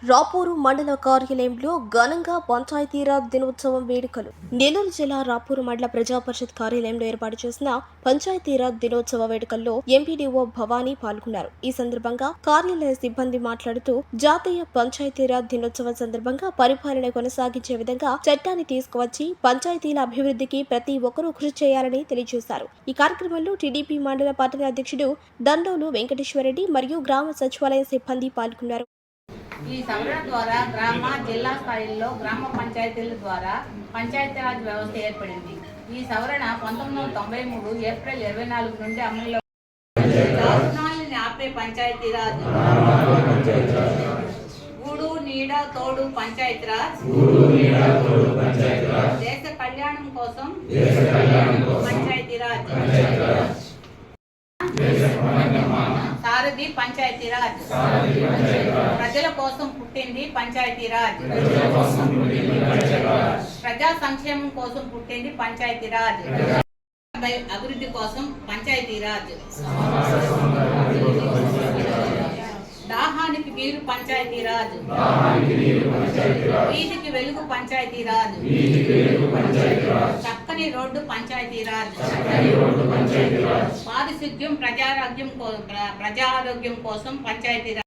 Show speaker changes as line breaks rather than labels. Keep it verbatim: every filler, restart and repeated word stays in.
రాపూరు మండల కార్యాలయంలో ఘనంగా పంచాయతీరాజ్ దినోత్సవం వేడుకలు. నెల్లూరు జిల్లా రాపూరు మండల ప్రజా పరిషత్ కార్యాలయంలో ఏర్పాటు చేసిన పంచాయతీరాజ్ దినోత్సవ వేడుకల్లో ఎంపీడీఓ భవానీ పాల్గొన్నారు. ఈ సందర్భంగా కార్యాలయ సిబ్బంది మాట్లాడుతూ జాతీయ పంచాయతీరాజ్ దినోత్సవం సందర్భంగా పరిపాలన కొనసాగించే విధంగా చట్టాన్ని తీసుకువచ్చి పంచాయతీల అభివృద్ధికి ప్రతి ఒక్కరూ కృషి చేయాలని తెలియజేశారు. ఈ కార్యక్రమంలో టీడీపీ మండల పట్టణ అధ్యక్షుడు దండోలు వెంకటేశ్వరరెడ్డి మరియు గ్రామ సచివాలయ సిబ్బంది పాల్గొన్నారు.
ఈ సవరణ ద్వారా గ్రామ జిల్లా స్థాయిలో గ్రామ పంచాయతీల ద్వారా పంచాయతీరాజ్ వ్యవస్థ ఏర్పడింది. ఈ సవరణ పంతొమ్మిది వందల తొంభై మూడు ఏప్రిల్ ఇరవై నాలుగు నుండి అమలులో దారుణాలని ఆపే పంచాయతీరాజ్, గూడు నీడ తోడు పంచాయతీరాజ్, దేశ కళ్యాణం కోసం పంచాయతీరాజ్, సారథి పంచాయతీరాజ్, ప్రజల కోసం పుట్టింది పంచాయతీరాజ్, ప్రజా సంక్షేమం కోసం పుట్టింది పంచాయతీరాజ్, అభివృద్ధి కోసం పంచాయతీరాజ్, దాహానికి నీరు పంచాయతీరాజ్, వీధికి వెలుగు పంచాయతీరాజ్, చక్కని రోడ్డు పంచాయతీరాజ్, పారిశుద్ధ్యం ప్రజారోగ్యం ప్రజారోగ్యం కోసం పంచాయతీరాజ్.